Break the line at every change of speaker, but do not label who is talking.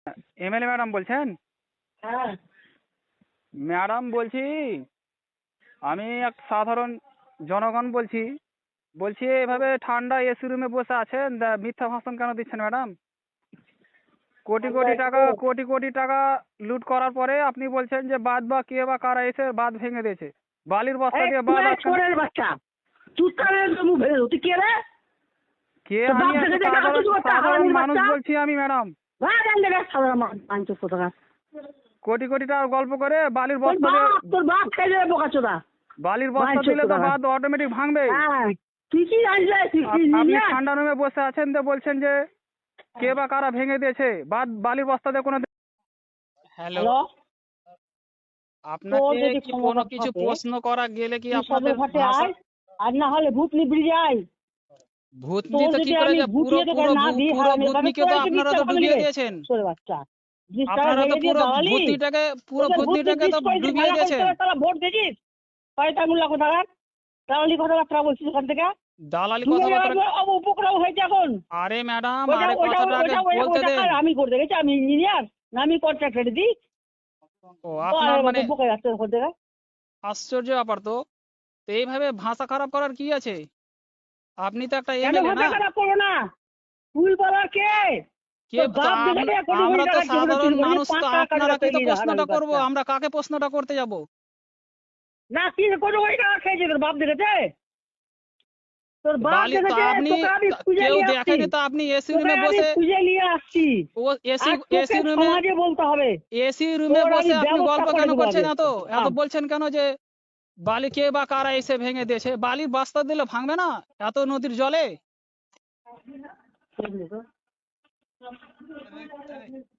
MLA madam বলছেন?
হ্যাঁ
madam বলছি, আমি এক সাধারণ জনগণ বলছি। বলছি এভাবে ঠান্ডা এসি রুমে বসে আছেন, মিথ্যা ভাষণ কেন দিচ্ছেন ম্যাডাম? কোটি কোটি টাকা লুট করার পরে আপনি বলছেন যে বাঁধ বা কে বা কারা এসে বাঁধ ভেঙে দিয়েছে, বালির বস্তা দিয়ে বাঁধ আটকানো।
ছোড়ের বাচ্চা তুই কানে মুখ ভেঙে দেবো। তুই কে রে?
কে?
তোর বাপ
আমি
দেখে
একটা
দেখে
সাধারণ
হাঁটুর বাচ্চা,
সাধারণ
হারামির
মানুষ
বাচ্চা।
বলছি আমি ম্যাডাম।
সাধারণ মানুষ কোথাকার।
কোটি কোটি টাকা গল্প করে বালির
তোর
বস্তা দিয়ে,
তোর বাপ খেয়ে যাবে বোকাচোদা।
বালির বস্তা দিলে তো বাঁধ অটোমেটিক ভাঙবে।
হ্যাঁ তুই কি জানলে? তুই কি
আপনি
জিনিয়াস?
ঠান্ডা রুমে বসে আছেন তো বলছেন যে কে বা কারা ভেঙে দিয়েছে বাঁধ, বালির বস্তা দিয়ে কোনো। হ্যালো,
হ্যালো,
আপনাকে
যদি
কি
ক্ষমতা
কোনো কিছু
থাকে,
প্রশ্ন করা গেলে কি
তুই
আপনাদের
সদরঘাটে
ভাষা?
আয়, আর না হলে ভূতনি ব্রিজে আয়।
ভূতনি
তোর
তো কি
যদি
করে
আমি
পুরো
গুটিয়ে তোকে
পুরো
না দিই,
পুরো
হারামি, তাহলে
ভূতনিকে
তোর
তো
একটু
আপনারা তো
বিশ্বাস
ডুবিয়ে
ভাঙবে।
দিয়েছেন।
ছোট বাচ্চা, 20 টাকা
আপনারা তো
ভেঙে দিয়ে
পুরো
দাঁড়ালি।
পুরো
তোদের ভূতনি
ভূতনিটাকে
ব্রিজ
তো
করেছিস,
ডুবিয়ে
ভাড়া
দিয়েছেন।
করে তারা ভোট দিয়েছিস। কয়টা মূল্য কোথাকার দাঁড়ালি, কথাবার্তা বলছিস ওখান থেকে।
দালালি
তুমি
কথাবার্তা।
উপক্রম হয়েছে এখন।
আরে ম্যাডাম,
ওইটা
আরে
ওইটা
কথাটা আগে
ওইটা ওইটা
বলতে
ওইটা
দেন।
কার? আমি করতে গেছি? আমি ইঞ্জিনিয়ার না আমি কন্ট্রাক্টর দিই?
ও আপনার মানে
বোকা যাচ্ছে ওখান থেকে।
আশ্চর্য ব্যাপার তো। তো এইভাবে ভাষা খারাপ করার কি আছে? আপনি তো একটা
কেন
এমএলএ
ভাষা
না?
খারাপ করো না? তুই বলা কে?
কে?
তোর
তো
বাপ দেখে দে, কোটি
আমরা
কোটি
তো
টাকা জীবনে
সাধারণ
চুরি করেছিস,
মানুষ,
5
তো
টাকা কাটবে
আপনারা কি তো
তৈরি
প্রশ্নটা
হারামির
করব?
বাচ্চা।
আমরা কাকে প্রশ্নটা করতে যাব?
না কি কোটি কোটি টাকা খেয়েছে তোর বাপ দেখেছে? তোর বাপ
বালি তো
দেখেছে?
আপনি,
তোকে আমি খুঁজে
কেউ
নিয়ে আসছি।
দেখেনি তো আপনি এসি
তোকে
রুমে
আমি
বসে,
খুঁজে নিয়ে আসছি।
ও এসি
আর তোকে
এসি রুমে
সমাজে বলতে হবে।
এসি রুমে
তোর আমি
বসে আপনি
ব্যবস্থা
গল্প
করে
কেন
দেবো
করছেন?
আগে।
এত বলছেন কেন যে বালি কে বা কারা এসে ভেঙে দিয়েছে? বালির বস্তা দিলে ভাঙবে না এত নদীর জলে?
হ্যাঁ